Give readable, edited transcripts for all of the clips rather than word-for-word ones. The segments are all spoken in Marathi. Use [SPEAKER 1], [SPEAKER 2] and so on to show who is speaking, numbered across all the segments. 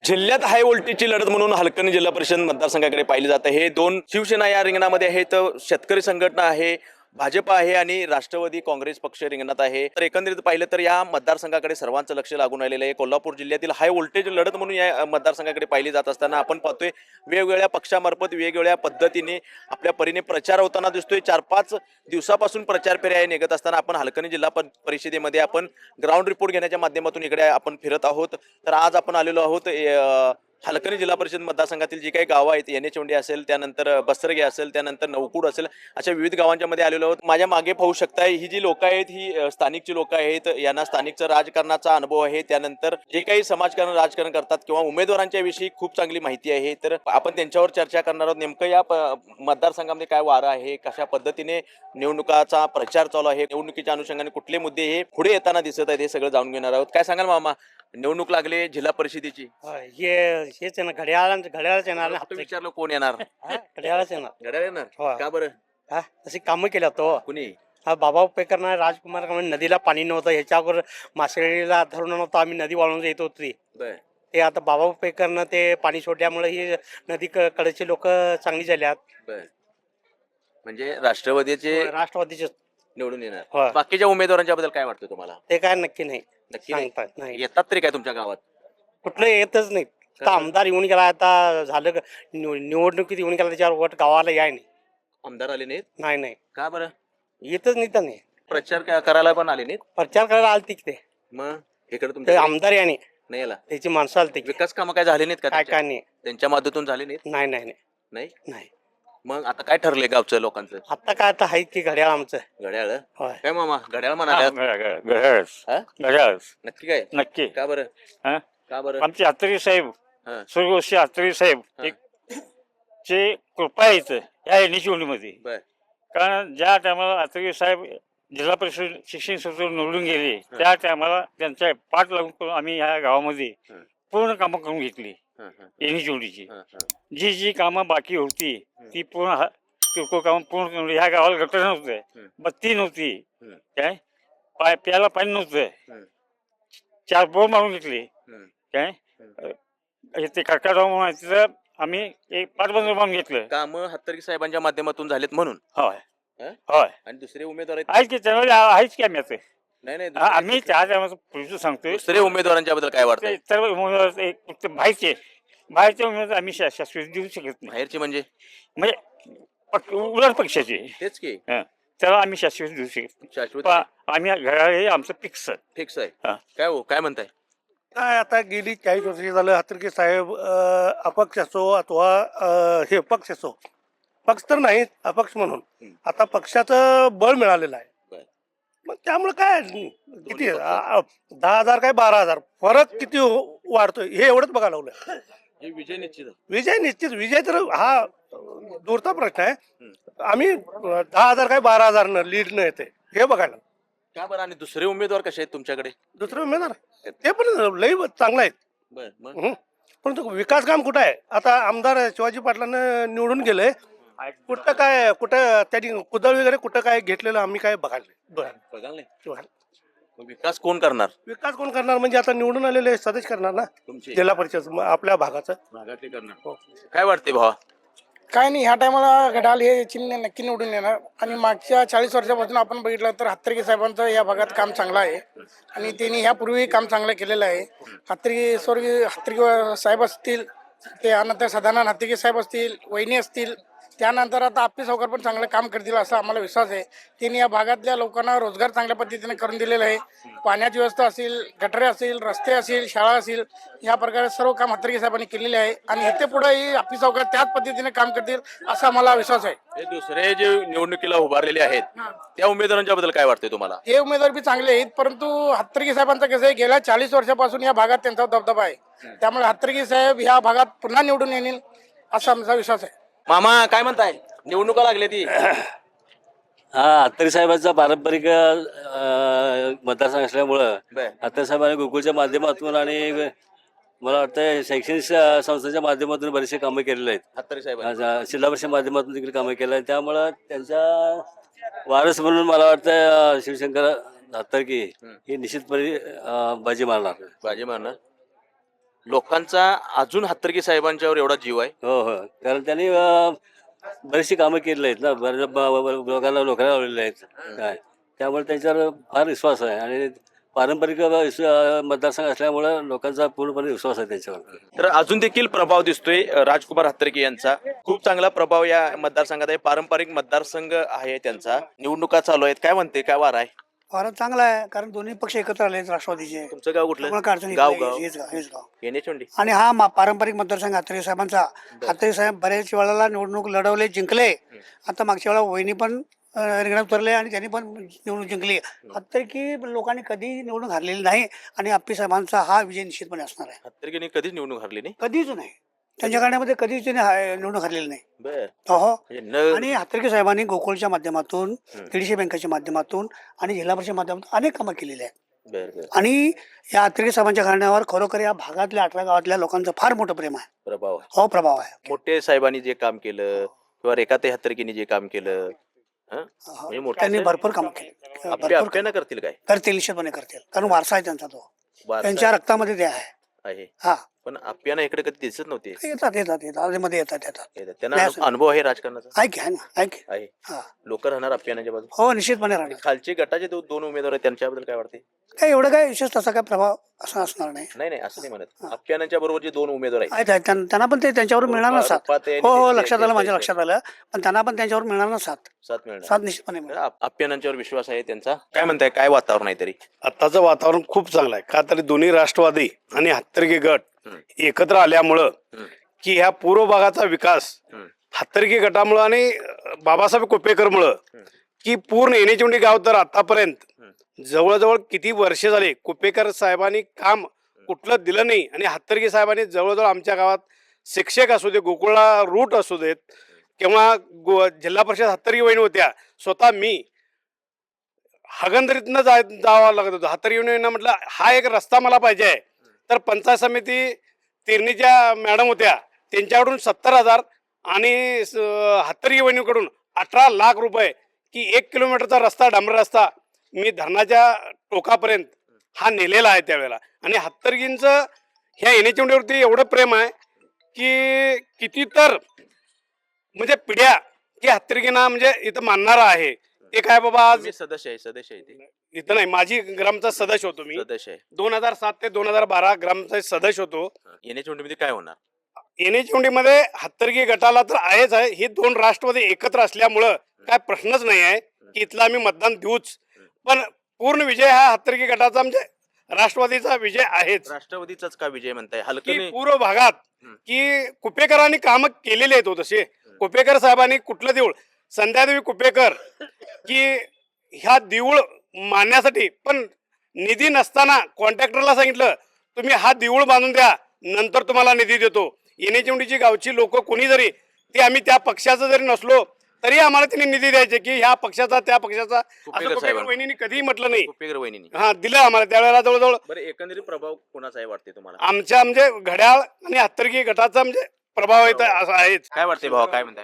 [SPEAKER 1] जिल्ह्यात हाय व्होल्टेजची लढत म्हणून हलकणी जिल्हा परिषद मतदारसंघाकडे पाहिले जाते. हे दोन शिवसेना या रिंगणामध्ये आहेत. शेतकरी संघटना आहे, भाजप आहे आणि राष्ट्रवादी काँग्रेस पक्ष रिंगणात आहे. तर एकंदरीत पाहिलं तर या मतदारसंघाकडे सर्वांचं लक्ष लागून राहिलेलं आहे. कोल्हापूर जिल्ह्यातील हाय व्होल्टेज लढत म्हणून या मतदारसंघाकडे पाहिली जात असताना आपण पाहतोय वेगवेगळ्या पक्षामार्फत वेगवेगळ्या पद्धतीने आपल्या परीने प्रचार होताना दिसतोय. 4-5 दिवसापासून प्रचार फेऱ्या निघत असताना आपण हलकणी जिल्हा परिषदेमध्ये आपण ग्राउंड रिपोर्ट घेण्याच्या माध्यमातून इकडे आपण फिरत आहोत. तर आज आपण आलेलो आहोत हलकणी जिल्हा परिषद मतदारसंघातील जी काही गावं आहेत, येणेचोंडी असेल, त्यानंतर बसरगे असेल, त्यानंतर नवकूड असेल, अशा विविध गावांच्या मध्ये आलेलो आहोत. माझ्या मागे पाहू शकताय ही जी लोक आहेत ही स्थानिकची लोक आहेत. यांना स्थानिकचं राजकारणाचा अनुभव आहे. त्यानंतर जे काही समाजकारण राजकारण करतात किंवा उमेदवारांच्या विषयी खूप चांगली माहिती आहे. तर आपण त्यांच्यावर चर्चा करणार आहोत. नेमकं या मतदारसंघामध्ये काय वारं आहे, कशा पद्धतीने निवडणुकाचा प्रचार चालू आहे, निवडणुकीच्या अनुषंगाने कुठले मुद्दे हे पुढे येताना दिसत आहेत, हे सगळं जाणून घेणार आहोत. काय सांगाल मामा, निवडणूक लागले जिल्हा परिषदेची?
[SPEAKER 2] हेच आहे ना, घड्याळच येणार ना.
[SPEAKER 1] आता विचारलं कोण येणार?
[SPEAKER 2] घड्याळच येणार.
[SPEAKER 1] घड्याळ येणार
[SPEAKER 2] हो.
[SPEAKER 1] का बरं?
[SPEAKER 2] तशी कामं केल्या तो
[SPEAKER 1] कुणी?
[SPEAKER 2] बाबा पेकरना राजकुमार नदीला पाणी नव्हतं, ह्याच्यावर मासेळीला धरून नव्हतं, आम्ही नदी वाळून येत होती.
[SPEAKER 1] बर
[SPEAKER 2] ते आता बाबा पेकरनं ते पाणी सोडल्यामुळे ही नदी कडेचे लोक चांगली झाल्यात.
[SPEAKER 1] बर म्हणजे राष्ट्रवादीचे
[SPEAKER 2] राष्ट्रवादीचे
[SPEAKER 1] निवडून येणार.
[SPEAKER 2] होय.
[SPEAKER 1] बाकीच्या उमेदवारांच्या बद्दल काय वाटतं तुम्हाला?
[SPEAKER 2] ते काय नक्की नाही
[SPEAKER 1] नक्की नाही.
[SPEAKER 2] सांगतात नाही,
[SPEAKER 1] येतात तरी काय तुमच्या गावात?
[SPEAKER 2] कुठलं येतच नाही. आता आमदार येऊन गेला, आता झालं निवडणुकीत येऊन गेला, त्याच्यावर वोट गावाला याय नाही.
[SPEAKER 1] आमदार आले नाहीत
[SPEAKER 2] नाही
[SPEAKER 1] का बरं?
[SPEAKER 2] येतच नाही. त्यांनी
[SPEAKER 1] प्रचार करायला पण आले नाहीत.
[SPEAKER 2] प्रचार करायला आलती की ते
[SPEAKER 1] मग इकडे
[SPEAKER 2] ते
[SPEAKER 1] तुमच्या
[SPEAKER 2] आमदार याने
[SPEAKER 1] नाही आला.
[SPEAKER 2] त्याची माणसं आलती की.
[SPEAKER 1] विकास कामं काय झाले नाहीत का
[SPEAKER 2] काय
[SPEAKER 1] त्यांच्या?
[SPEAKER 2] काय नाही
[SPEAKER 1] त्यांच्या माध्यमातून झाले नाहीत?
[SPEAKER 2] नाही नाही नाही
[SPEAKER 1] नाही.
[SPEAKER 2] नाही.
[SPEAKER 1] मग आता काय ठरलंय गावचं लोकांचं?
[SPEAKER 2] आता काय आता आहे की घड्याळ आमचं.
[SPEAKER 1] घड्याळ?
[SPEAKER 2] होय.
[SPEAKER 1] काय मामा, घड्याळ म्हणाल्या? हा?
[SPEAKER 3] घड्याळच
[SPEAKER 1] नक्की काय?
[SPEAKER 3] नक्की.
[SPEAKER 1] का बरं?
[SPEAKER 3] हा?
[SPEAKER 1] का बरं?
[SPEAKER 3] आमचे आत्रे साहेब,
[SPEAKER 1] हा.
[SPEAKER 3] स्वर्गवासी आत्रे साहेब
[SPEAKER 1] हा.
[SPEAKER 3] एक चे कृपा आहे इथं या निवडणुकीमध्ये.
[SPEAKER 1] बर
[SPEAKER 3] कारण ज्या टायमाला आत्रे साहेब जिल्हा परिषद शिक्षण संस्थेवर निवडून गेले, त्या टायमाला त्यांच्या पाठ लागून करून आम्ही ह्या गावामध्ये
[SPEAKER 1] हा.
[SPEAKER 3] पूर्ण कामं करून घेतली.
[SPEAKER 1] हा, हा,
[SPEAKER 3] एनिचोंडीची
[SPEAKER 1] हा, हा.
[SPEAKER 3] जी जी कामं बाकी होती ती पूर्ण किरकोळ कामं पूर्ण करून ह्या गावाला गटर नव्हतं, बत्ती नव्हती,
[SPEAKER 1] हम्म.
[SPEAKER 3] काय प्यायला पाणी नव्हतं.
[SPEAKER 1] हम्म.
[SPEAKER 3] 4 बोर मारून घेतले.
[SPEAKER 1] हम्म.
[SPEAKER 3] काय ते काकाराव म्हणून आहे, तिथं आम्ही एक पाटबंद मारून घेतलं.
[SPEAKER 1] काम हत्तरगी साहेबांच्या माध्यमातून झालेत म्हणून.
[SPEAKER 3] होय
[SPEAKER 1] हा?
[SPEAKER 3] होय
[SPEAKER 1] आणि दुसरे उमेदवार आहेत?
[SPEAKER 3] आहेच की त्यामध्ये आहेच की आम्ही आता.
[SPEAKER 1] नाही नाही,
[SPEAKER 3] आम्ही त्या टायमाचं पुढचं सांगतोय.
[SPEAKER 1] दुसरे उमेदवारांच्या बद्दल काय वाटतंय?
[SPEAKER 3] ते सर्व उमेदवार एक फक्त बाहेरचे उमेदवार आम्ही शाश्वत देऊ शकत नाही.
[SPEAKER 1] बाहेरचे म्हणजे?
[SPEAKER 3] म्हणजे उलट पक्षाचे
[SPEAKER 1] तेच की
[SPEAKER 3] त्याला आम्ही शाश्वत देऊ शकत नाही.
[SPEAKER 1] शाश्वत
[SPEAKER 3] आम्ही घड्याळ हे आमचं फिक्स.
[SPEAKER 1] फिक्स आहे.
[SPEAKER 3] हा.
[SPEAKER 1] काय हो, काय म्हणताय?
[SPEAKER 4] काय आता गेली 40 वर्ष झालं हातर्की साहेब अपक्ष असो अथवा हे पक्ष असो, पक्ष तर नाही अपक्ष म्हणून आता पक्षाचं बळ मिळालेलं आहे.
[SPEAKER 1] बरं.
[SPEAKER 4] मग त्यामुळे काय किती 10,000 काय 12,000 फरक किती वाढतोय हे एवढंच बघायला लागलं.
[SPEAKER 1] हे विजय निश्चित आहे.
[SPEAKER 4] विजय निश्चित, विजय तर हा दूरचा प्रश्न आहे. आम्ही 10,000 काय 12,000 लीड न येते हे बघायला.
[SPEAKER 1] का बरं? आणि दुसरे उमेदवार कसे आहेत तुमच्याकडे?
[SPEAKER 4] दुसरं उमेदवार ते पण लई चांगलं आहेत.
[SPEAKER 1] बर मग
[SPEAKER 4] परंतु विकास काम कुठं आहे? आता आमदार शिवाजी पाटलांना निवडून गेले, कुठं त्यांनी कुदळ वगैरे कुठं काय घेतलेलं आम्ही काय बघायला
[SPEAKER 1] बघाल नाही. मग विकास कोण करणार?
[SPEAKER 4] विकास कोण करणार म्हणजे आता निवडून आलेले सदस्य करणार ना,
[SPEAKER 1] तुमचे
[SPEAKER 4] जिल्हा परिषद आपल्या भागाचं.
[SPEAKER 1] भागातले करणार. काय वाटते भावा?
[SPEAKER 5] काय नाही, ह्या टायमाला घड्याळ हे चिन्ह नक्की निवडून येणार. आणि मागच्या 40 वर्षापासून आपण बघितलं तर हत्तरगी साहेबांचं या भागात काम चांगलं आहे आणि त्यांनी ह्यापूर्वी काम चांगलं केलेलं आहे. हत्तरगी साहेब असतील, त्यानंतर सदानंद हत्तरगी साहेब असतील, वहिनी असतील, त्यानंतर आता आप्पी सावकार पण चांगलं काम करतील असा आम्हाला विश्वास आहे. त्यांनी या भागातल्या लोकांना रोजगार चांगल्या पद्धतीने करून दिलेला आहे. पाण्याची व्यवस्था असेल, गटरे असेल, रस्ते असेल, शाळा असेल, या प्रकारे सर्व काम हत्तरगी साहेबांनी केलेले आहे आणि इथे पुढेही आप्पी सावकार त्याच पद्धतीने काम करतील असा मला विश्वास आहे.
[SPEAKER 1] हे दुसरे जे निवडणुकीला उभारलेले आहेत त्या उमेदवारांच्या बद्दल काय वाटतंय तुम्हाला?
[SPEAKER 5] हे उमेदवार बी चांगले आहेत, परंतु हत्तरगी साहेबांचं कसं आहे, गेल्या 40 वर्षापासून या भागात त्यांचा दबदबा आहे. त्यामुळे हत्तरगी साहेब ह्या भागात पुन्हा निवडून येतील असा आमचा विश्वास आहे.
[SPEAKER 1] मामा काय म्हणताय? निवडणुका लागल्या ती.
[SPEAKER 6] हा अत्तरे साहेबांचा पारंपरिक मतदारसंघ असल्यामुळं
[SPEAKER 1] बर.
[SPEAKER 6] अत्तरे साहेबांनी गोकुळच्या माध्यमातून आणि मला वाटतं शैक्षणिक संस्थेच्या माध्यमातून बरेचसे कामं केलेले आहेत.
[SPEAKER 1] हत्तरी साहेब
[SPEAKER 6] जिल्हा परिषद माध्यमातून देखील कामं केलं आहे. त्यामुळं त्यांचा वारस म्हणून मला वाटतं शिवशंकर हत्तरकी हे निश्चितपणे बाजी मारणार.
[SPEAKER 1] बाजी मारणार. लोकांचा अजून हत्तरकी साहेबांच्यावर एवढा जीव आहे.
[SPEAKER 6] हो हो, कारण त्यांनी बरीचशी कामं केलेली आहेत ना, बऱ्याच लोकांना नोकऱ्या लावलेल्या आहेत काय, त्यामुळे त्यांच्यावर फार विश्वास आहे आणि पारंपरिक मतदारसंघ असल्यामुळे लोकांचा पूर्णपणे विश्वास आहे त्यांच्यावर.
[SPEAKER 1] तर अजून देखील प्रभाव दिसतोय राजकुमार हत्तरकी यांचा. खूप चांगला प्रभाव या मतदारसंघात आहे. पारंपरिक मतदारसंघ आहे त्यांचा. निवडणुका चालू आहेत. काय म्हणते, काय वार आहे?
[SPEAKER 5] फारच चांगला आहे, कारण दोन्ही पक्ष एकत्र आले राष्ट्रवादीचे.
[SPEAKER 1] तुमचं गाव कुठलं?
[SPEAKER 5] त्यामुळे काय अडचण येत
[SPEAKER 1] गाव
[SPEAKER 5] नाही.
[SPEAKER 1] गाव
[SPEAKER 5] हेच गाव.
[SPEAKER 1] येणेचोंडी.
[SPEAKER 5] आणि हा पारंपरिक मतदारसंघ हातरे साहेबांचा. हातरे साहेब बऱ्याच वेळेला निवडणूक लढवले, जिंकले. आता मागच्या वेळेला वहिनी पण रिंगणात उतरले आणि त्यांनी पण निवडणूक जिंकली. हातरे की लोकांनी कधी निवडणूक हरलेली नाही आणि आप्पी साहेबांचा हा विजय निश्चितपणे असणार आहे.
[SPEAKER 1] हत्तरकीने कधीच निवडणूक हरली नाही.
[SPEAKER 5] कधीच नाही, त्यांच्या काळामध्ये कधीच त्यांनी निवडणूक हरलेली नाही.
[SPEAKER 1] बर.
[SPEAKER 5] हो.
[SPEAKER 1] म्हणजे
[SPEAKER 5] आणि हातर्की साहेबांनी गोकुळच्या माध्यमातून, दीडशे बँकेच्या माध्यमातून आणि जिल्हा परिषद माध्यमातून अनेक कामं केलेली आहेत.
[SPEAKER 1] बर बर.
[SPEAKER 5] आणि या हातर्की साहेबांच्या घराण्यावर खरोखर या भागातल्या 18 गावातल्या लोकांचं फार मोठं प्रेम आहे.
[SPEAKER 1] प्रभाव आहे.
[SPEAKER 5] हो, प्रभाव आहे.
[SPEAKER 1] मोठे साहेबांनी जे काम केलं किंवा रेखाते हत्तरकीने जे काम केलं, हं? म्हणजे मोठे
[SPEAKER 5] त्यांनी
[SPEAKER 1] साहेब
[SPEAKER 5] भरपूर कामं केली. भरपूर
[SPEAKER 1] आपल्यानं करतील काय?
[SPEAKER 5] करतील, निश्चितपणे करतील, कारण वारसा आहे त्यांचा तो.
[SPEAKER 1] वारसा
[SPEAKER 5] त्यांच्या रक्तामध्ये ते आहे.
[SPEAKER 1] आहे.
[SPEAKER 5] हा,
[SPEAKER 1] पण आपल्याला इकडे कधी दिसत नव्हते.
[SPEAKER 5] येतात आधीमध्ये येतात.
[SPEAKER 1] त्यांना
[SPEAKER 5] नाही असं.
[SPEAKER 1] अनुभव आहे राजकारणाचा.
[SPEAKER 5] ऐक आहे ना, ऐक.
[SPEAKER 1] आहे.
[SPEAKER 5] हा,
[SPEAKER 1] लोक राहणार आपल्याच्या बाजू.
[SPEAKER 5] हो, निश्चितपणे राहणार.
[SPEAKER 1] खालचे गटाचे दोन उमेदवार आहेत, त्यांच्याबद्दल काय वाटते?
[SPEAKER 5] काय एवढं काय विशेष तसा काय प्रभाव असा असणार नाही.
[SPEAKER 1] नाही नाही, असं नाही म्हणत. आपल्याच्या बरोबर जे दोन उमेदवार आहेत,
[SPEAKER 5] आहेत, त्यांना पण ते त्यांच्यावर मिळणार ना साथ.
[SPEAKER 1] रुपात आहे आणि
[SPEAKER 5] हो हो,
[SPEAKER 1] ते-
[SPEAKER 5] लक्षात आलं,
[SPEAKER 1] ते-
[SPEAKER 5] माझ्या
[SPEAKER 1] ते-
[SPEAKER 5] लक्षात आलं. पण त्यांना पण त्यांच्यावर मिळणार ना साथ.
[SPEAKER 1] साथ मिळणार.
[SPEAKER 5] साथ निश्चितपणे मिळणार.
[SPEAKER 1] आपल्याच्यावर विश्वास आहे त्यांचा. काय म्हणताय, काय वातावरण आहे तरी?
[SPEAKER 4] आताचं वातावरण खूप चांगलं आहे. का तर दोन्ही राष्ट्रवादी आणि हत्तरकी गट
[SPEAKER 1] हम्म.
[SPEAKER 4] एकत्र आल्यामुळं
[SPEAKER 1] हम्म.
[SPEAKER 4] की ह्या पूर्व भागाचा विकास
[SPEAKER 1] हम्म.
[SPEAKER 4] हत्तरकी गटामुळं आणि बाबासाहेब कोपेकरमुळं की पूर्ण येणेचोंडी गाव तर आतापर्यंत जवळजवळ किती वर्षे झाले कुपेकर साहेबांनी काम कुठलं दिलं नाही. आणि हत्तरकी साहेबांनी जवळजवळ आमच्या गावात शिक्षक असू दे, गोकुळला रूट असू देत किंवा जिल्हा परिषद हत्तरकी वहिनी होत्या, स्वतः मी हगंदरीतनं जावं लागत होतं. हत्तरकी वहिनींना म्हटलं हा एक रस्ता मला पाहिजे आहे. तर पंचायत समिती तिरणीच्या मॅडम होत्या, त्यांच्याकडून 70,000 आणि हत्तरकी वहिनीकडून 18 लाख रुपये की 1 किलोमीटरचा रस्ता, डांबर रस्ता मी धरणाच्या टोकापर्यंत हा नेलेला आहे त्यावेळेला. आणि हत्तरकींचं ह्या येणेचोंडीवरती एवढं प्रेम आहे की किती तर म्हणजे पिढ्या की हत्तरकींना म्हणजे इथं मानणारा आहे. ते काय बाबा आज
[SPEAKER 1] मी सदस्य आहे ते.
[SPEAKER 4] इथं नाही, माझी ग्रामचा सदस्य होतो मी.
[SPEAKER 1] सदस्य आहे.
[SPEAKER 4] 2007 ते 2012 ग्रामचा सदस्य होतो.
[SPEAKER 1] येणेचोंडीमध्ये काय होणार?
[SPEAKER 4] येणेचोंडीमध्ये हत्तरकी गटाला तर आहेच आहे. ही दोन राष्ट्रवादी एकत्र असल्यामुळं काय प्रश्नच नाही आहे की इथला आम्ही मतदान देऊच. पण पूर्ण विजय हा हत्तरकी गटाचा म्हणजे राष्ट्रवादीचा विजय आहेच.
[SPEAKER 1] राष्ट्रवादीचाच का विजय म्हणताय?
[SPEAKER 4] की
[SPEAKER 1] हलकं
[SPEAKER 4] पूर्व भागात की कुपेकरांनी कामं केलेली आहेत. तसे कुपेकर साहेबांनी कुठलं देऊळ, संध्यादेवी कुपेकर की ह्या देऊळ मानण्यासाठी पण निधी नसताना कॉन्ट्रॅक्टरला सांगितलं तुम्ही हा देऊळ बांधून द्या, नंतर तुम्हाला निधी देतो. येणेचोंडीची गावची लोक कोणी जरी, ते आम्ही त्या पक्षाचं जरी नसलो तरी आम्हाला त्यांनी निधी द्यायचे की ह्या पक्षाचा त्या पक्षाचा, असं
[SPEAKER 1] कुपेकर
[SPEAKER 4] कुपेकर
[SPEAKER 1] साहेबांनी.
[SPEAKER 4] वहिनींनी कधीही म्हटलं नाही.
[SPEAKER 1] कुपेकर वहिनी.
[SPEAKER 4] हा, दिलं आम्हाला त्यावेळेला जवळजवळ
[SPEAKER 1] बरं, एकंदरीत प्रभाव कोणाचा आहे वाटते तुम्हाला?
[SPEAKER 4] आमच्या म्हणजे घड्याळ आणि हत्तरकी गटाचा म्हणजे प्रभाव येत आहेच.
[SPEAKER 1] काय वाटते भावा, काय म्हणताय?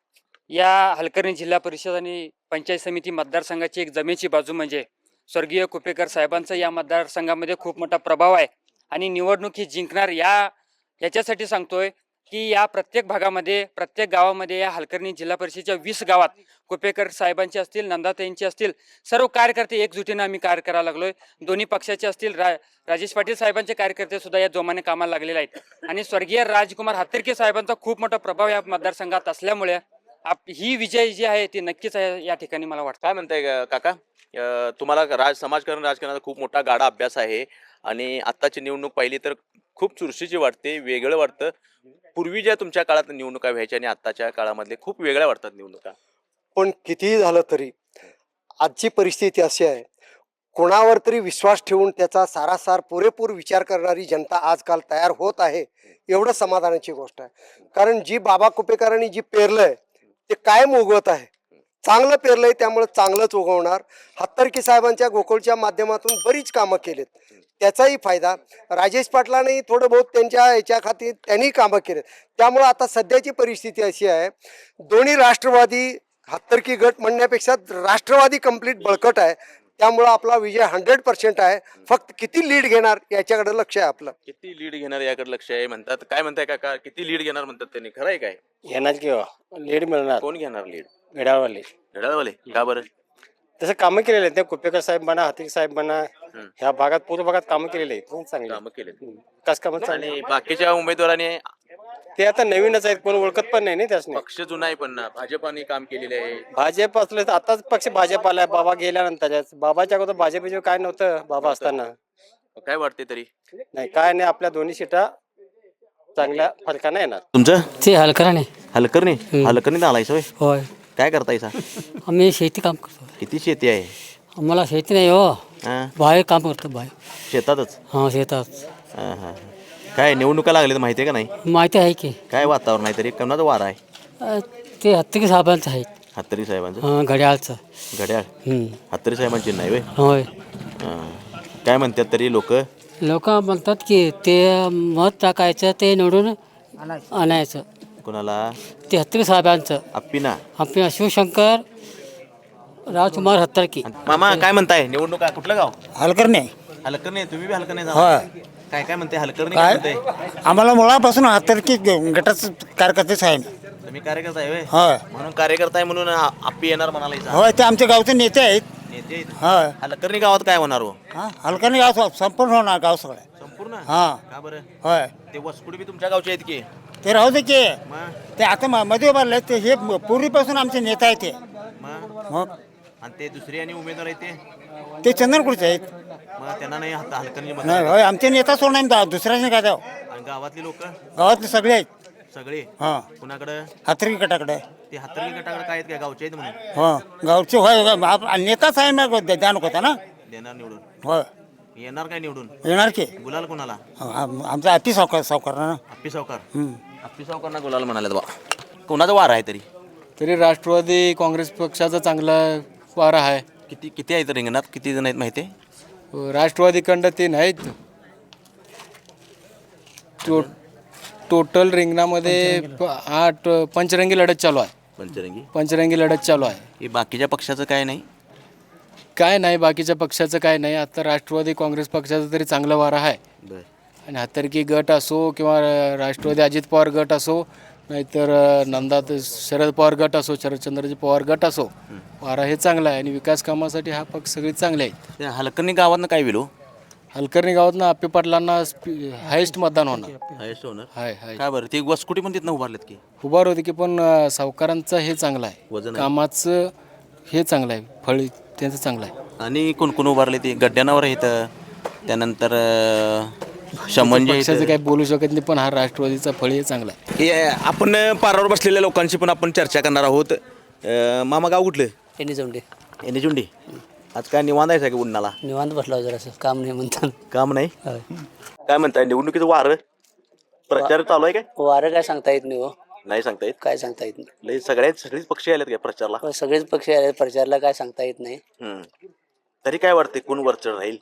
[SPEAKER 7] या हलकर्णी जिल्हा परिषद आणि पंचायत समिती मतदारसंघाची एक जमेची बाजू म्हणजे स्वर्गीय कुपेकर साहेबांचा या मतदारसंघामध्ये खूप मोठा प्रभाव आहे. आणि निवडणूक ही जिंकणार याच्यासाठी सांगतोय की या प्रत्येक भागामध्ये, प्रत्येक गावामध्ये, या हलकर्णी जिल्हा परिषदेच्या 20 गावात कुपेकर साहेबांचे असतील, नंदाताईंचे असतील, सर्व कार्यकर्ते एकजुटीनं आम्ही कार्य करायला लागलोय. दोन्ही पक्षाचे असतील, राजेश पाटील साहेबांचे कार्यकर्ते सुद्धा या जोमाने कामाला लागलेले आहेत. आणि स्वर्गीय राजकुमार हत्तरकी साहेबांचा खूप मोठा प्रभाव या मतदारसंघात असल्यामुळे ही विजय जी आहे ती नक्कीच आहे या ठिकाणी मला वाटतं.
[SPEAKER 1] काय म्हणताय काका? तुम्हाला समाजकारण, राजकारणाचा खूप मोठा गाडा अभ्यास आहे आणि आत्ताची निवडणूक पाहिली तर खूप चुरशीची वाटते, वेगळं वाटतं. पूर्वी ज्या तुमच्या काळात निवडणुका व्हायच्या आणि आत्ताच्या काळामधले खूप वेगळ्या वाटतात निवडणुका.
[SPEAKER 8] पण कितीही झालं तरी आजची परिस्थिती अशी आहे, कोणावर तरी विश्वास ठेवून त्याचा सारासार पुरेपूर विचार करणारी जनता आजकाल तयार होत आहे, एवढं समाधानाची गोष्ट आहे. कारण जी बाबा कुपेकरांनी जी पेरलंय ते कायम उगवत आहे. चांगलं पेरलंय त्यामुळे चांगलंच उगवणार. हत्तरकी साहेबांच्या गोकुळच्या माध्यमातून बरीच कामं केलीत, त्याचाही फायदा. राजेश पाटलांनी थोडं बहुत त्यांच्या याच्या खाती त्यांनी कामं केलेत. त्यामुळं आता सध्याची परिस्थिती अशी आहे, दोन्ही राष्ट्रवादी हत्तरकी गट म्हणण्यापेक्षा राष्ट्रवादी कंप्लीट बळकट आहे. त्यामुळं आपला विजय 100% आहे. फक्त किती लीड घेणार याच्याकडे लक्ष आहे आपलं.
[SPEAKER 1] किती लीड घेणार याकडे लक्ष आहे म्हणतात. काय म्हणताय काका, किती लीड घेणार म्हणतात त्यांनी, खरं आहे काय?
[SPEAKER 2] येणार किंवा लीड मिळणार
[SPEAKER 1] कोण घेणार लीड?
[SPEAKER 2] घड्याळवाले.
[SPEAKER 1] घड्याळवाले का बरं?
[SPEAKER 2] तसं कामं केलेले आहेत. ते कुपेकर साहेब म्हणा, हाती साहेब म्हणा, ह्या भागात पूर्व भागात कामं केलेली आहेत चांगली.
[SPEAKER 1] कामं केले
[SPEAKER 2] विकास कामं चांगली.
[SPEAKER 1] आणि बाकीच्या उमेदवारांनी
[SPEAKER 2] ते आता नवीनच आहेत, कोण ओळखत पण नाही त्यासनी.
[SPEAKER 1] पक्ष जुना आहे पण ना, भाजपाने काम केलेले आहे.
[SPEAKER 2] भाजप असलं तर आताच पक्ष भाजप आलाय. बाबा गेल्यानंतर बाबाच्या अगोदर भाजप काय नव्हतं बाबा असताना.
[SPEAKER 1] काय वाटते तरी?
[SPEAKER 2] नाही काय नाही, आपल्या दोन्ही सीटा चांगल्या फरकाने येणार.
[SPEAKER 1] तुमचं
[SPEAKER 9] ते हलकराने
[SPEAKER 1] हलकर्णी हलकर्णी आलाय होय?
[SPEAKER 9] होय.
[SPEAKER 1] काय करतायसा?
[SPEAKER 9] आम्ही शेती काम करतो.
[SPEAKER 1] किती शेती आहे?
[SPEAKER 9] आम्हाला शेती नाही हो,
[SPEAKER 1] हा?
[SPEAKER 9] बाहेर काम करतो बाहेर.
[SPEAKER 1] शेतातच?
[SPEAKER 9] हां शेतात.
[SPEAKER 1] हा, हा. काय निवडणुका लागल्या माहिती आहे का नाही?
[SPEAKER 9] माहिती आहे की
[SPEAKER 1] काय वातावरण आहे तरी, कोणाचा वार आहे?
[SPEAKER 9] ते हत्ती साहेबांचं आहे.
[SPEAKER 1] हत्तरी साहेबांचं?
[SPEAKER 9] हां घड्याळचं.
[SPEAKER 1] घड्याळ हत्तरी साहेबांची नाही वे?
[SPEAKER 9] होय.
[SPEAKER 1] काय म्हणतात तरी लोक?
[SPEAKER 9] लोक म्हणतात की ते मत टाकायचं, ते निवडून आणायचं.
[SPEAKER 1] कोणाला?
[SPEAKER 9] ते हत्ती साहेबांचं.
[SPEAKER 1] अप्पिना?
[SPEAKER 9] आपल्या शिवशंकर राजकुमार हत्तरकी.
[SPEAKER 1] मामा काय म्हणताय, निवडणुका कुठलं गाव?
[SPEAKER 5] हलकर्णी.
[SPEAKER 1] हलकर्णी? तुम्ही बी हलकर्णी
[SPEAKER 5] होय.
[SPEAKER 1] झाला? काय काय म्हणते हलकर्णी? काय म्हणते?
[SPEAKER 5] आम्हाला मुळापासून हत्तरकी गटाच कार्यकर्तेच आहे.
[SPEAKER 1] तुम्ही कार्यकर्ता आहे व्हय?
[SPEAKER 5] होय
[SPEAKER 1] म्हणून कार्यकर्ता आहे म्हणून आप्पी येणार म्हणाला.
[SPEAKER 5] होय, ते आमच्या गावचे नेते आहेत.
[SPEAKER 1] नेते आहेत?
[SPEAKER 5] होय.
[SPEAKER 1] हलकर्णी गावात काय होणार हो?
[SPEAKER 5] हलकर्णी गाव संपूर्ण होणार गाव सगळं.
[SPEAKER 1] संपूर्ण?
[SPEAKER 5] हा.
[SPEAKER 1] का बरं?
[SPEAKER 5] होय,
[SPEAKER 1] ते वसकुड बी तुमच्या गावचे आहेत की?
[SPEAKER 5] ते राहू दे की.
[SPEAKER 1] मग
[SPEAKER 5] ते आता मध्ये उभारले ते, हे पूर्वीपासून आमचे नेता आहेत ते.
[SPEAKER 1] मग
[SPEAKER 5] मग
[SPEAKER 1] आणि ते दुसरे आणि उमेदवार आहेत
[SPEAKER 5] ते चंदनपूरचे आहेत.
[SPEAKER 1] मग त्यांना नाही हलकर्णी
[SPEAKER 5] नाही होय, आमचे नेता सोडणार दुसऱ्याने काय द्याव.
[SPEAKER 1] आणि गावातली लोक
[SPEAKER 5] गावातले सगळे आहेत.
[SPEAKER 1] सगळे
[SPEAKER 5] हां,
[SPEAKER 1] कुणाकडं?
[SPEAKER 5] हत्तरकी गटाकडे.
[SPEAKER 1] ते हत्तरगी गटाकडे काय आहेत काय, गावचे आहेत म्हणून?
[SPEAKER 5] हो गावचे होय. नेताच आहे ना, द्या नको होता ना.
[SPEAKER 1] देणार निवडून?
[SPEAKER 5] होय,
[SPEAKER 1] येणार काय निवडून?
[SPEAKER 5] येणार की.
[SPEAKER 1] गुलाल कोणाला?
[SPEAKER 5] आमचा अति सावकार ना.
[SPEAKER 1] अप्पी सावकार? अप्पी सावकारना गुलाल म्हणाले बा. कोणाचा वार आहे तरी?
[SPEAKER 10] तरी राष्ट्रवादी काँग्रेस पक्षाचा चांगला वारा आहे.
[SPEAKER 1] किती किती आहेत रिंगणात, किती जण आहेत माहिती आहे?
[SPEAKER 10] राष्ट्रवादीकडं 3 आहेत. टोटल रिंगणामध्ये 8 पंचरंगी लढत चालू आहे. पंचरंगी लढत चालू आहे.
[SPEAKER 1] हे बाकीच्या पक्षाचं काय नाही?
[SPEAKER 10] काय नाही, बाकीच्या पक्षाचं काय नाही. आता राष्ट्रवादी काँग्रेस पक्षाचा तरी चांगला वारा आहे. आणि हत्तरकी गट असो किंवा राष्ट्रवादी अजित पवार गट असो, नाहीतर नंदात शरद पवार गट असो, शरदचंद्रजी पवार गट असो, वारा हे चांगला आहे. आणि विकास कामासाठी हा पक्ष सगळे चांगले आहेत.
[SPEAKER 1] त्या हलकर्णी गावातनं काय विलो?
[SPEAKER 10] हलकर्णी गावातनं आप्पे पाटलांना हायेस्ट मतदान होणार.
[SPEAKER 1] हायस्ट होणार?
[SPEAKER 10] हाय हाय.
[SPEAKER 1] काय बरं, ते वसकुटी पण तिथनं उभारलेत की?
[SPEAKER 10] उभार होते की, पण सावकारांचं हे चांगलं आहे,
[SPEAKER 1] वजन आहे.
[SPEAKER 10] कामाचं हे चांगलं आहे, फळ त्यांचं चांगलं आहे.
[SPEAKER 1] आणि कोण कोण उभारले ते गड्ड्यानावर आहेत, त्यानंतर शमंजे
[SPEAKER 10] पक्षाचं काही बोलू शकत नाही, पण हा राष्ट्रवादीचा फळ हे चांगला आहे.
[SPEAKER 1] हे आपण पारावर बसलेल्या लोकांशी पण आपण चर्चा करणार आहोत. मामा गाव कुठलं?
[SPEAKER 9] त्यांनी
[SPEAKER 1] चुंडी. आज काय निवांत आहे का उन्हाला?
[SPEAKER 9] निवांत बसला जरा असं, काम नाही म्हणतात.
[SPEAKER 1] काम नाही? काय म्हणताय, निवडणुकीचं वार प्रचार चालू आहे काय?
[SPEAKER 9] वारं काय सांगता येत नाही हो.
[SPEAKER 1] नाही सांगता येत?
[SPEAKER 9] काय सांगता येत नाही.
[SPEAKER 1] लय सगळेच पक्ष आलेत काय प्रचारला?
[SPEAKER 9] सगळेच पक्ष आले प्रचारला, काय सांगता येत नाही.
[SPEAKER 1] तरी काय वाटते, कोण वरचढ राहील?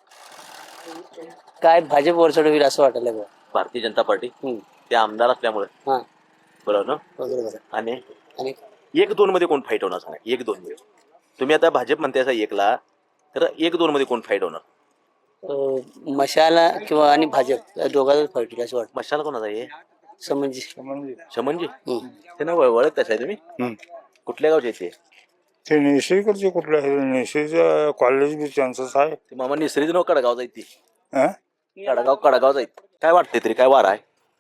[SPEAKER 9] काय भाजप वरचढ होईल असं वाटायला बघ.
[SPEAKER 1] भारतीय जनता पार्टी? ते आमदार असल्यामुळे.
[SPEAKER 9] हां
[SPEAKER 1] बरोबर ना?
[SPEAKER 9] बरोबर.
[SPEAKER 1] आणि
[SPEAKER 9] आणि
[SPEAKER 1] 1-2 मध्ये कोण फाईट होणार सांगा? 1-2 मध्ये तुम्ही आता भाजप म्हणते असा एकला, तर 1-2 मध्ये कोण फाईट होणार?
[SPEAKER 9] मशाला किंवा आणि भाजप या दोघांच फाईट होईल असं वाटतं.
[SPEAKER 1] मशाला कोणाचा आहे?
[SPEAKER 9] समजी.
[SPEAKER 1] शमनजी? ते ना ओळखताच आहे तुम्ही? कुठल्या गावचे ते?
[SPEAKER 11] ते नेसरीकडचे कुठलं आहे? नेसरीचं कॉलेज बी त्यांचंच आहे.
[SPEAKER 1] ते मामा निसरीच नाव कडगाव जाईल ती. कडगाव जाईल. काय वाटते तरी, काय वार आहे?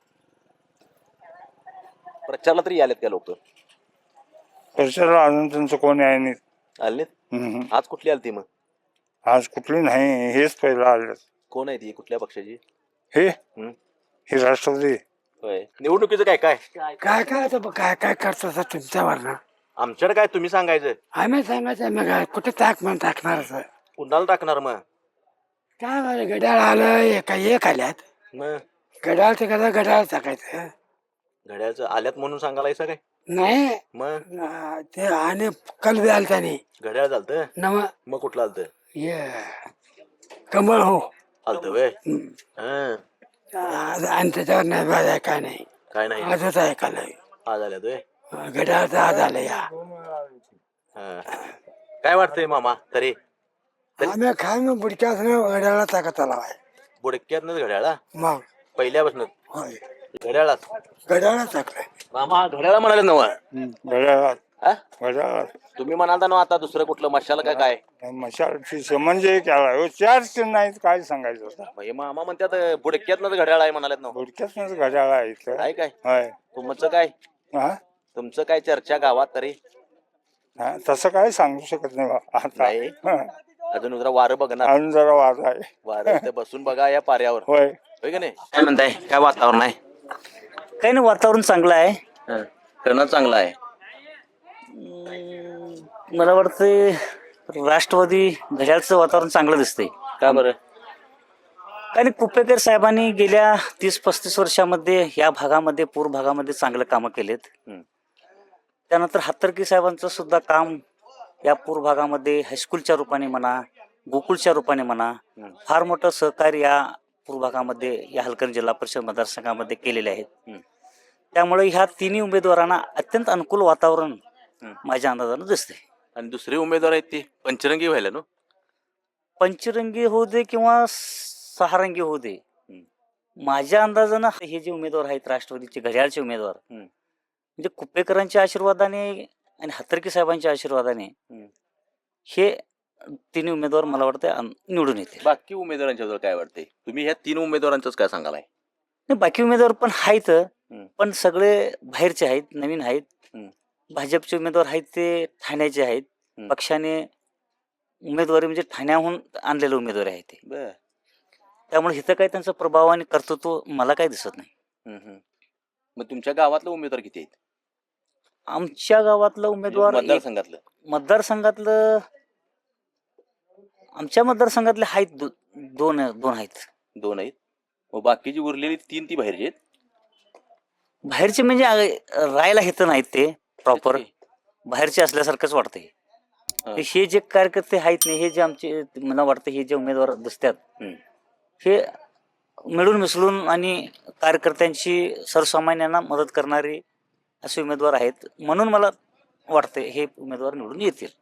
[SPEAKER 1] प्रचारला तरी आलेत का लोक?
[SPEAKER 11] प्रचाराला अजून त्यांचं कोणी आहे नाही.
[SPEAKER 1] आले? आज कुठली आली ती मग?
[SPEAKER 11] आज कुठली नाही, हेच पहिला आले.
[SPEAKER 1] कोण आहे ती, कुठल्या पक्षाची?
[SPEAKER 11] हे राष्ट्रवादी.
[SPEAKER 1] होय. निवडणुकीचं काय काय
[SPEAKER 5] काय काय आता काय काय करता तुमच्यावर ना.
[SPEAKER 1] आमच्याकडे काय तुम्ही सांगायचं?
[SPEAKER 5] आम्ही सांगायचं मग कुठे टाकणार असं.
[SPEAKER 1] कुणाला टाकणार मग?
[SPEAKER 5] काय झालं, घड्याळ आलं एक आल्यात.
[SPEAKER 1] मग
[SPEAKER 5] घड्याळ ते कसं घड्याळ टाकायचं.
[SPEAKER 1] घड्याळचं आल्यात म्हणून सांगायचं काय?
[SPEAKER 5] नाही
[SPEAKER 1] मग
[SPEAKER 5] ते आणि कल आलं त्याने
[SPEAKER 1] घड्याळ चालतं.
[SPEAKER 5] नव
[SPEAKER 1] मग कुठलं आलतं?
[SPEAKER 5] ये कमळ हो
[SPEAKER 1] आलतं व्हय?
[SPEAKER 5] आणि त्याच्यावर नाही बाजा काय नाही.
[SPEAKER 1] काय नाही,
[SPEAKER 5] आजच ऐकायला
[SPEAKER 1] आज आल्यात व्हय?
[SPEAKER 5] घड्याळचं आज आलं या.
[SPEAKER 1] काय वाटतंय मामा तरी?
[SPEAKER 5] आम्ही काय मग बुडक्यात घड्याळा टाका तलाव आहे
[SPEAKER 1] बुडक्यातनच घड्याळा
[SPEAKER 5] मग
[SPEAKER 1] पहिल्यापासून
[SPEAKER 5] होय
[SPEAKER 1] घड्याळात
[SPEAKER 5] घड्याळा टाकलाय
[SPEAKER 1] मामा घड्याळा म्हणाले नव
[SPEAKER 11] घड्याळात
[SPEAKER 1] हा?
[SPEAKER 11] घड्याळात
[SPEAKER 1] तुम्ही म्हणाल ना आता दुसरं कुठलं मशाल का काय
[SPEAKER 11] मशालची म्हणजे केला चार्ज नाहीत काय सांगायचं आता
[SPEAKER 1] हे मामा म्हणतात बुडक्यातनच घड्याळ आहे म्हणालेत ना
[SPEAKER 11] बुडक्यातच घड्याळ आहे इथं
[SPEAKER 1] काय काय
[SPEAKER 11] होय
[SPEAKER 1] तुमचं काय
[SPEAKER 11] हा
[SPEAKER 1] तुमचं काय चर्चा गावात तरी
[SPEAKER 11] हा, तसं काय सांगू शकत नाही बा आता
[SPEAKER 1] नाही.
[SPEAKER 11] हा.
[SPEAKER 1] अजून जरा वारं बघणार
[SPEAKER 11] अजून जरा वाद आहे
[SPEAKER 1] वारं इथे बसून बघा या पाऱ्यावर
[SPEAKER 11] होय
[SPEAKER 1] होय की नाही काय म्हणताय काय वातावरण आहे
[SPEAKER 2] काही नाही वातावरण चांगलं आहे
[SPEAKER 1] करणं चांगलं आहे
[SPEAKER 2] मला वाटतं राष्ट्रवादी घड्याळचं वातावरण चांगलं दिसतंय
[SPEAKER 1] का बरं
[SPEAKER 2] आणि कुपेकर साहेबांनी गेल्या 30-35 वर्षामध्ये या भागामध्ये पूर भागामध्ये चांगलं कामं केलेत. त्यानंतर हातर्की साहेबांचं सुद्धा काम या पूर भागामध्ये हायस्कूलच्या रूपाने म्हणा गोकुळच्या रूपाने म्हणा फार मोठं सहकार्य या पूर भागामध्ये या हलकर्णी जिल्हा परिषद मतदारसंघामध्ये केलेले आहेत. त्यामुळे ह्या तिन्ही उमेदवारांना अत्यंत अनुकूल वातावरण माझ्या अंदाजानं दिसते.
[SPEAKER 1] आणि दुसरे उमेदवार आहेत ते पंचरंगी व्हायला ना
[SPEAKER 2] पंचरंगी होऊ दे किंवा सहारंगी होऊ दे माझ्या अंदाजानं हे जे उमेदवार आहेत राष्ट्रवादीचे घड्याळचे उमेदवार म्हणजे कुपेकरांच्या आशीर्वादाने आणि हातर्की साहेबांच्या आशीर्वादाने हे तिन्ही उमेदवार मला वाटतं निवडून येते.
[SPEAKER 1] बाकी उमेदवारांच्या काय वाटतंय तुम्ही ह्या 3 उमेदवारांच काय सांगाल
[SPEAKER 2] नाही बाकी उमेदवार पण आहेत पण सगळे बाहेरचे आहेत नवीन आहेत. भाजपचे उमेदवार आहेत ते ठाण्याचे आहेत पक्षाने उमेदवारी म्हणजे ठाण्याहून आणलेले उमेदवार आहेत ते त्यामुळे इथं काही त्यांचा प्रभाव आणि कर्तृत्व मला काही दिसत नाही.
[SPEAKER 1] मग तुमच्या गावातलं उमेदवार किती आहेत
[SPEAKER 2] आमच्या गावातलं उमेदवार
[SPEAKER 1] मतदारसंघातलं
[SPEAKER 2] आमच्या मतदारसंघातले आहेत दोन आहेत.
[SPEAKER 1] 2 आहेत मग बाकीची उरलेली 3 ती बाहेरची आहेत
[SPEAKER 2] बाहेरचे म्हणजे राहायला हेत नाहीत ते प्रॉपर बाहेरचे असल्यासारखंच वाटतंय. हे जे कार्यकर्ते आहेत नाही हे जे आमचे मला वाटतं हे जे उमेदवार दिसतात हे मिळून मिसळून आणि कार्यकर्त्यांची सर्वसामान्यांना मदत करणारे असे उमेदवार आहेत म्हणून मला वाटते हे उमेदवार निवडून येतील.